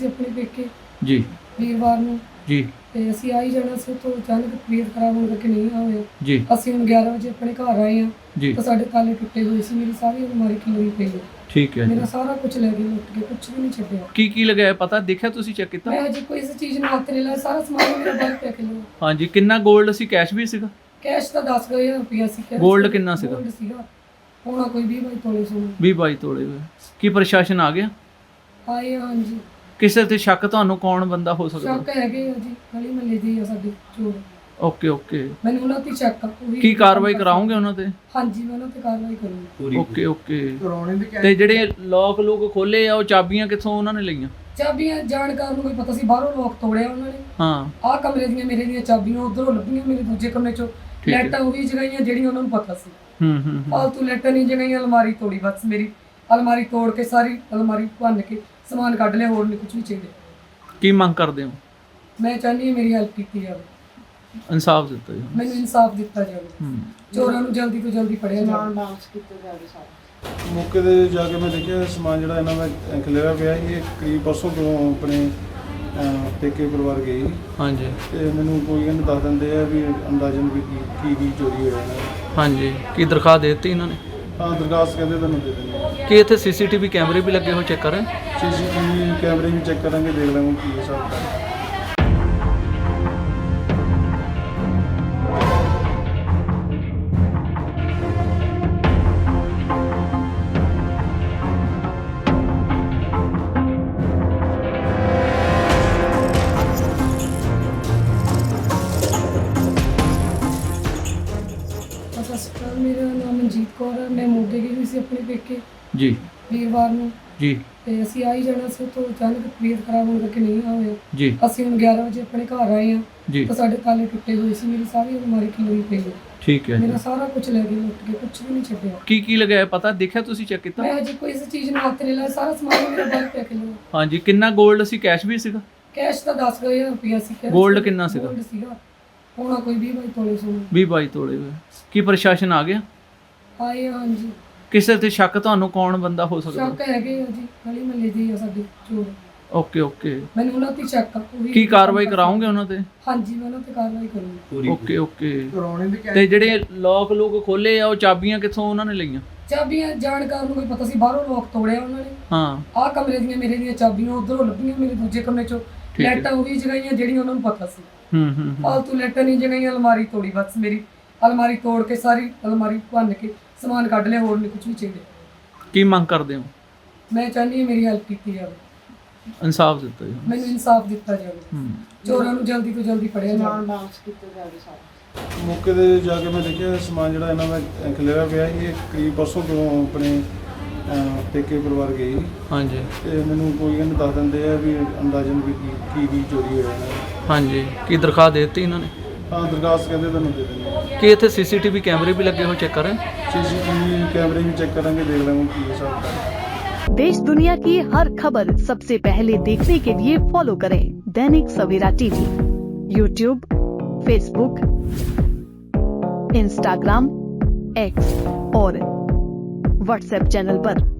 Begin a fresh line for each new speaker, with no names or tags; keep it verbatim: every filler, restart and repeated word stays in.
ਸੀ ਆਪਣੇ ਪੇਕੇ
ਜੀ
ਵੀਰਵਾਰ ਨੂੰ
ਜੀ
ਤੇ ਅਸੀਂ ਆ ਹੀ ਜਾਣਾ ਸੀ ਤੋਂ ਅਚਾਨਕ ਤਬੀਅਤ ਖਰਾਬ ਹੋਣ ਕਰਕੇ ਨਹੀਂ ਆ ਹੋਇਆ।
ਜੀ
ਅਸੀਂ ਹੁਣ ਗਿਆਰਾਂ ਵਜੇ ਆਪਣੇ ਘਰ ਆਏ ਆ
ਜੀ
ਤਾਂ ਸਾਡੇ ਤਾਲੇ ਟੁੱਟੇ ਹੋਏ ਸੀ, ਮੇਰੀ ਸਾਰੀ ਅਲਮਾਰੀ ਖਿਲਰੀ ਪਈ ਹੈ,
ਠੀਕ ਹੈ ਜੀ।
ਮੇਰਾ ਸਾਰਾ ਕੁਝ ਲੈ ਗਏ ਲੁੱਟ ਕੇ, ਕੁਝ ਵੀ ਨਹੀਂ ਛੱਡਿਆ।
ਕੀ ਕੀ ਲਗਾਇਆ ਪਤਾ ਦੇਖਿਆ ਤੁਸੀਂ ਚੈੱਕ ਕੀਤਾ?
ਮੈਂ ਹਜੇ ਕੋਈ ਇਸ ਚੀਜ਼ ਨੂੰ ਹੱਥ ਨਹੀਂ ਲਾਇਆ, ਸਾਰਾ ਸਮਾਨ ਮੇਰਾ ਬਾਹਰ ਪਿਆ ਖਿਲਰਿਆ।
ਹਾਂਜੀ ਕਿੰਨਾ 골ਡ ਸੀ, ਕੈਸ਼ ਵੀ ਸੀਗਾ?
ਕੈਸ਼ ਤਾਂ ਦਸ ਹਜ਼ਾਰ ਰੁਪਇਆ ਸੀ। ਕੈਸ਼
Gold ਕਿੰਨਾ ਸੀਗਾ?
Gold ਸੀਗਾ ਹੋਣਾ ਕੋਈ ਵੀਹ ਬਾਈ ਤੋਲੇ ਸੋਨਾ।
ਵੀਹ ਬਾਈ ਤੋਲੇ ਹੋਏ। ਕੀ ਪ੍ਰਸ਼ਾਸਨ ਆ ਗਿਆ?
ਆਏ ਆ, ਹਾਂਜੀ।
ਕਿਸੇ ਤੇ ਸ਼ੱਕ ਤੁਹਾਨੂੰ ਕੌਣ ਬੰਦਾ ਹੋ ਸਕਦਾ?
ਸ਼ੱਕ ਹੈਗੇ ਆ ਜੀ, ਗਲੀ ਮਹੱਲੇ ਦੇ ਆ ਸਾਡੇ ਚੋਰ।
Okay okay.
ਮੈਨੂੰ ਉਹਨਾਂ ਤੇ ਸ਼ੱਕ ਆ। ਉਹ ਵੀ
ਕੀ ਕਾਰਵਾਈ ਕਰਾਉਂਗੇ ਉਹਨਾਂ ਤੇ?
ਹਾਂਜੀ ਮੈਂ ਉਹਨਾਂ ਤੇ ਕਾਰਵਾਈ ਕਰੂੰਗੀ।
Okay okay. ਤੇ ਜਿਹੜੇ ਲੋਕ ਲੋਕ ਖੋਲੇ ਆ ਉਹ ਚਾਬੀਆਂ ਕਿੱਥੋਂ ਉਹਨਾਂ ਨੇ ਲਈਆਂ?
ਚਾਬੀਆਂ ਜਾਣਕਾਰ ਨੂੰ ਕੋਈ ਪਤਾ ਸੀ, ਬਾਹਰੋਂ ਲੋਕ ਤੋੜਿਆ ਉਹਨਾਂ ਨੇ।
ਹਾਂ
ਆਹ ਕਮਰੇ ਦੀਆਂ ਮੇਰੇ ਦੀਆਂ ਚਾਬੀਆਂ ਉਧਰੋਂ ਲੱਭੀਆਂ, ਮੇਰੇ ਦੂਜੇ ਕਮਰੇ ਚੋਂ
ਠੀਕ ਹੈ।
ਲੈਟਾਂ ਉਹੀ ਜਗਾਈਆਂ ਜਿਹੜੀਆਂ ਉਹਨਾਂ ਨੂੰ ਪਤਾ ਸੀ।
ਹੂੰ ਹੂੰ ਹੂੰ।
ਫਾਲਤੂ ਲੈਟਾਂ ਨਹੀਂ ਜਗਾਈਆਂ, ਅਲਮਾਰੀ ਤੋੜੀ ਬਸ ਮੇਰੀ। ਅਲਮਾਰੀ ਤੋੜ ਕੇ ਸਾਰੀ ਅਲਮਾਰੀ ਭੰਨ ਕੇ ਸਮਾਨ ਕੱਢ ਲਿਆ, ਹੋਰ ਨਹੀਂ ਕੁਝ ਵੀ ਚਾਹੀਦਾ।
ਕੀ ਮੰਗ ਕਰਦੇ ਹੋ?
ਮੈਂ ਚਾਹੁੰਦੀ ਹਾਂ ਮੇਰੀ ਹੈਲਪ ਕੀਤੀ ਜਾਵੇ,
ਇਨਸਾਫ ਦਿੱਤਾ ਜੀ।
ਮੈਨੂੰ ਇਨਸਾਫ ਦਿੱਤਾ ਜਾਵੇ,
ਹੂੰ
ਚੋਰਾਂ ਨੂੰ ਜਲਦੀ ਤੋਂ ਜਲਦੀ ਫੜਿਆ ਜਾਵੇ।
ਮੌਕੇ 'ਤੇ ਜਾ ਕੇ ਮੈਂ ਦੇਖਿਆ ਸਮਾਨ ਜਿਹੜਾ ਇਹਨਾਂ ਦਾ ਖਿਲਰਿਆ ਪਿਆ ਸੀ, ਇਹ ਕਰੀਬ ਪਰਸੋਂ ਤੋਂ ਆਪਣੇ ਅਹ, ਪੇਕੇ ਪਰਿਵਾਰ ਗਏ ਸੀ
ਹਾਂਜੀ
ਤੇ ਮੈਨੂੰ ਕੋਈ ਕਹਿੰਦੇ ਦੱਸ ਦਿੰਦੇ ਆ ਵੀ ਅੰਦਾਜ਼ਨ ਵੀ ਕੀ ਕੀ ਕੀ ਚੋਰੀ ਹੋਇਆ ਇਹਨਾਂ ਦਾ।
ਹਾਂਜੀ ਕੀ ਦਰਖਾਸਤ ਦੇ ਦਿੱਤੀ ਇਹਨਾਂ ਨੇ?
ਹਾਂ ਦਰਖਾਸਤ ਕਹਿੰਦੇ ਤੁਹਾਨੂੰ ਦੇ ਦਿੰਦੇ।
ਕੀ ਇੱਥੇ ਸੀਸੀਟੀਵੀ ਕੈਮਰੇ ਵੀ ਲੱਗੇ ਹੋਏ ਚੈੱਕ ਕਰ ਰਹੇ?
ਸੀ ਸੀ ਟੀ ਵੀ ਕੈਮਰੇ ਵੀ ਚੈੱਕ ਕਰਾਂਗੇ, ਦੇਖ ਲਾਂਗੇ ਕੀ ਹਿਸਾਬ ਹੈ।
ਸਤਿ ਸ਼੍ਰੀ ਅਕਾਲ, ਮੇਰਾ ਨਾਮ ਮਨਜੀਤ ਕੌਰ ਹੈ। ਮੈਂ ਮੋਗੇ ਗਈ ਹੋਈ ਸੀ ਆਪਣੇ ਪੇਕੇ
ਜੀ
ਵੀਰਵਾਰ ਨੂੰ
ਜੀ
ਤੇ ਅਸੀਂ ਆ ਹੀ ਜਾਣਾ ਸੀ ਤੋਂ ਅਚਾਨਕ ਤਬੀਅਤ ਖਰਾਬ ਹੋਣ ਕਰਕੇ ਨਹੀਂ ਆ ਹੋਇਆ।
ਜੀ
ਅਸੀਂ ਹੁਣ ਗਿਆਰਾਂ ਵਜੇ ਆਪਣੇ ਘਰ ਆਏ ਆ
ਜੀ
ਤਾਂ ਸਾਡੇ ਤਾਲੇ ਟੁੱਟੇ ਹੋਏ ਸੀ, ਮੇਰੀ ਸਾਰੀ ਅਲਮਾਰੀ ਖਿਲਰੀ ਪਈ ਹੈ,
ਠੀਕ ਹੈ ਜੀ।
ਮੇਰਾ ਸਾਰਾ ਕੁਝ ਲੈ ਗਏ ਲੁੱਟ ਕੇ, ਕੁਝ ਵੀ ਨਹੀਂ ਛੱਡਿਆ।
ਕੀ ਕੀ ਲਗਾਇਆ ਪਤਾ ਦੇਖਿਆ ਤੁਸੀਂ ਚੈੱਕ ਕੀਤਾ?
ਮੈਂ ਹਜੇ ਕੋਈ ਇਸ ਚੀਜ਼ ਨੂੰ ਹੱਥ ਨਹੀਂ ਲਾਇਆ, ਸਾਰਾ ਸਮਾਨ ਮੇਰਾ ਬਾਹਰ ਪਿਆ ਖਿਲਰਿਆ।
ਹਾਂਜੀ ਕਿੰਨਾ 골ਡ ਸੀ, ਕੈਸ਼ ਵੀ ਸੀਗਾ?
ਕੈਸ਼ ਤਾਂ ਦਸ ਹਜ਼ਾਰ ਰੁਪਇਆ ਸੀ। ਕੈਸ਼
Gold ਕਿੰਨਾ ਸੀਗਾ?
Gold ਸੀਗਾ ਹੋਣਾ ਕੋਈ ਵੀਹ ਬਾਈ ਤੋਲੇ ਸੋਨਾ।
ਵੀਹ ਬਾਈ ਤੋਲੇ ਹੋਏ। ਕੀ ਪ੍ਰਸ਼ਾਸਨ ਆ ਗਿਆ?
ਆਏ ਆ, ਹਾਂਜੀ।
ਕਿਸੇ ਤੇ ਸ਼ੱਕ ਤੁਹਾਨੂੰ ਕੌਣ ਬੰਦਾ ਹੋ ਸਕਦਾ?
ਸ਼ੱਕ ਹੈਗੇ ਆ ਜੀ, ਗਲੀ ਮਹੱਲੇ ਦੇ ਆ ਸਾਡੇ ਚੋਰ।
Okay okay.
ਮੈਨੂੰ ਉਹਨਾਂ ਤੇ ਸ਼ੱਕ ਆ। ਉਹ ਵੀ
ਕੀ ਕਾਰਵਾਈ ਕਰਾਉਂਗੇ ਉਹਨਾਂ ਤੇ?
ਹਾਂਜੀ ਮੈਂ ਉਹਨਾਂ ਤੇ ਕਾਰਵਾਈ ਕਰੂੰਗੀ।
Okay okay. ਤੇ ਜਿਹੜੇ ਲੋਕ ਲੋਕ ਖੋਲੇ ਆ ਉਹ ਚਾਬੀਆਂ ਕਿੱਥੋਂ ਉਹਨਾਂ ਨੇ ਲਈਆਂ?
ਚਾਬੀਆਂ ਜਾਣਕਾਰ ਨੂੰ ਕੋਈ ਪਤਾ ਸੀ, ਬਾਹਰੋਂ ਲੋਕ ਤੋੜਿਆ ਉਹਨਾਂ ਨੇ।
ਹਾਂ
ਆਹ ਕਮਰੇ ਦੀਆਂ ਮੇਰੇ ਦੀਆਂ ਚਾਬੀਆਂ ਉਧਰੋਂ ਲੱਭੀਆਂ, ਮੇਰੇ ਦੂਜੇ ਕਮਰੇ ਚੋਂ
ਠੀਕ ਹੈ।
ਲੈਟਾਂ ਉਹੀ ਜਗਾਈਆਂ ਜਿਹੜੀਆਂ ਉਹਨਾਂ ਨੂੰ ਪਤਾ ਸੀ।
ਹੂੰ ਹੂੰ ਹੂੰ।
ਫਾਲਤੂ ਲੈਟਾਂ ਨਹੀਂ ਜਗਾਈਆਂ, ਅਲਮਾਰੀ ਤੋੜੀ ਬਸ ਮੇਰੀ। ਅਲਮਾਰੀ ਤੋੜ ਕੇ ਸਾਰੀ ਅਲਮਾਰੀ ਭੰਨ ਕੇ ਸਮਾਨ ਕੱਢ ਲਿਆ, ਹੋਰ ਨਹੀਂ ਕੁਝ ਵੀ ਚਾਹੀਦਾ।
ਕੀ ਮੰਗ ਕਰਦੇ ਹੋ?
ਮੈਂ ਚਾਹੁੰਦੀ ਹਾਂ ਮੇਰੀ ਹੈਲਪ ਕੀਤੀ ਜਾਵੇ,
ਇਨਸਾਫ ਦਿੱਤਾ ਜੀ।
ਮੈਨੂੰ ਇਨਸਾਫ ਦਿੱਤਾ ਜਾਵੇ,
ਹੂੰ
ਚੋਰਾਂ ਨੂੰ ਜਲਦੀ ਤੋਂ ਜਲਦੀ ਫੜਿਆ ਜਾਵੇ।
ਮੌਕੇ 'ਤੇ ਜਾ ਕੇ ਮੈਂ ਦੇਖਿਆ ਸਮਾਨ ਜਿਹੜਾ ਇਹਨਾਂ ਦਾ ਖਿਲਰਿਆ ਪਿਆ ਸੀ, ਇਹ ਕਰੀਬ ਪਰਸੋਂ ਤੋਂ ਆਪਣੇ ਅਹ, ਪੇਕੇ ਪਰਿਵਾਰ ਗਏ ਸੀ
ਹਾਂਜੀ
ਤੇ ਮੈਨੂੰ ਕੋਈ ਕਹਿੰਦੇ ਦੱਸ ਦਿੰਦੇ ਆ ਵੀ ਅੰਦਾਜ਼ਨ ਵੀ ਕੀ ਕੀ ਕੀ ਚੋਰੀ ਹੋਇਆ ਇਹਨਾਂ ਦਾ।
ਹਾਂਜੀ ਕੀ ਦਰਖਾਸਤ ਦੇ ਦਿੱਤੀ ਇਹਨਾਂ ਨੇ?
ਹਾਂ ਦਰਖਾਸਤ ਕਹਿੰਦੇ ਤੁਹਾਨੂੰ ਦੇ ਦਿੰਦੇ।
ਕੀ ਇੱਥੇ ਸੀਸੀਟੀਵੀ ਕੈਮਰੇ ਵੀ ਲੱਗੇ ਹੋਏ ਚੈੱਕ ਕਰ ਰਹੇ?
ਸੀ ਸੀ ਟੀ ਵੀ ਕੈਮਰੇ ਵੀ ਚੈੱਕ ਕਰਾਂਗੇ, ਦੇਖ लांगे ਕੀ ਹਿਸਾਬ है।
देश दुनिया की हर खबर सबसे पहले देखने के लिए फॉलो करें Dainik Savera TV, YouTube, Facebook, Instagram, X और व्हाट्सएप चैनल पर।